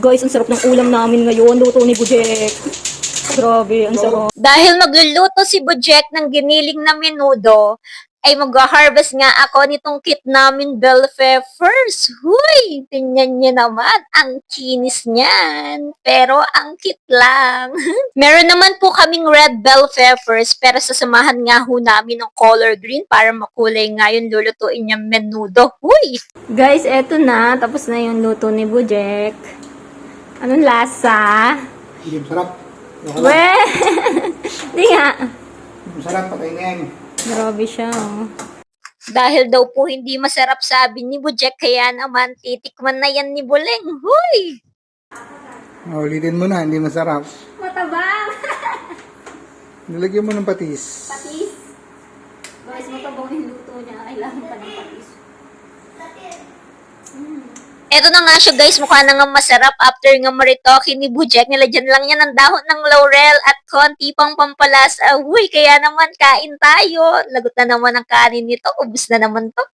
Guys, ang sarap ng ulam namin ngayon. Luto ni Bujek. Grabe, ang sarap. Dahil magluluto si Bujek ng giniling na menudo, ay mag-harvest nga ako nitong kit namin bell peppers. Huy! Tingnan niyo naman, ang kinis niyan. Pero ang kit lang. Meron naman po kaming red bell peppers, pero sasamahan nga ho namin ng color green para makulay nga yung lulutuin niyang menudo. Huy! Guys, eto na. Tapos na yung luto ni Bujek. Anong lasa? Hindi masarap. Weh! Hindi nga. Masarap, patay na yan. Grabe siya. Oh. Dahil daw po hindi masarap sabi ni Bujek, kaya naman titikman na yan ni Buleng. Huy! Ulitin mo na, hindi masarap. Matabang! Nilagyan mo ng patis. Patis. Guys, matabang yung luto niya. Kailangan pa ng patis. Eto na nga siya guys, mukha na nga masarap after nga maritoke ni Bujek. Nilagyan lang niya ng dahon ng laurel at konti pang pampalasa. Huy, kaya naman kain tayo. Lagot na naman ang kanin nito. Ubus na naman to.